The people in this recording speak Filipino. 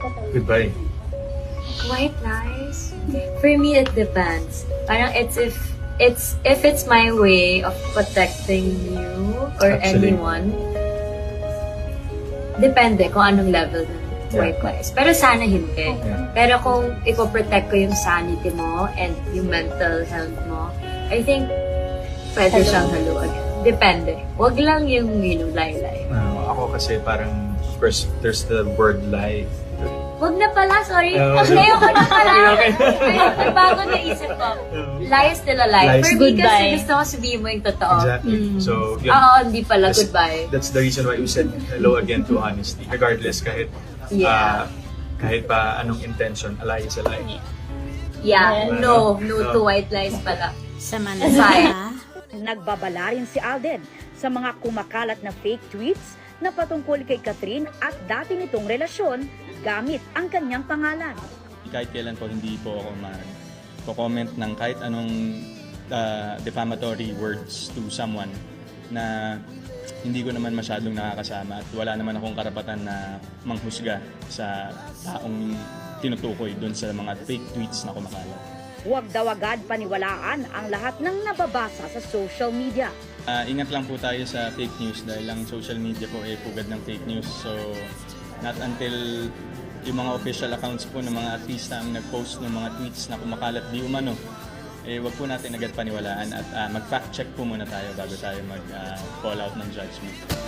Goodbye. White lies? For me, it depends. Parang if it's my way of protecting you or Actually. anyone, depende kung anong level ng white lies. Pero sana hindi. Yeah. Pero kung ipoprotect ko yung sanity mo and yung mental health mo, I think pwede siyang haluan. Depende. Wag lang yung lie-lie. Ako kasi parang, of course, there's the word lie. Wag na pala, sorry. Oh. Ngayon ko na pala. Okay. Nagbago na isip ko. Lie is still a lie. Lie is For me still- kasi Goodbye. gusto ko sabihin mo yung totoo. Exactly. So, yun. Oo, hindi pala. That's- Goodbye. That's the reason why we said hello again to honesty. Regardless, kahit Yeah. kahit pa anong intention, a lie is a lie. Yeah. Well, No no. to white lies pala. Samantala, Nagbabala rin si Alden sa mga kumakalat na fake tweets na patungkol kay Catherine at dati nitong relasyon gamit ang kanyang pangalan. Kahit kailan po hindi po ako mag-comment ng kahit anong defamatory words to someone na hindi ko naman masyadong nakakasama at wala naman akong karapatan na manghusga sa taong tinutukoy dun sa mga fake tweets na kumakalat. Huwag daw agad paniwalaan ang lahat ng nababasa sa social media. Ingat lang po tayo sa fake news dahil ang social media po ay pugad ng fake news. So, not until yung mga official accounts po ng mga artista ang nag-post ng mga tweets na kumakalat di umano, wag po natin agad paniwalaan at mag-fact check po muna tayo bago tayo mag-call out ng judgment.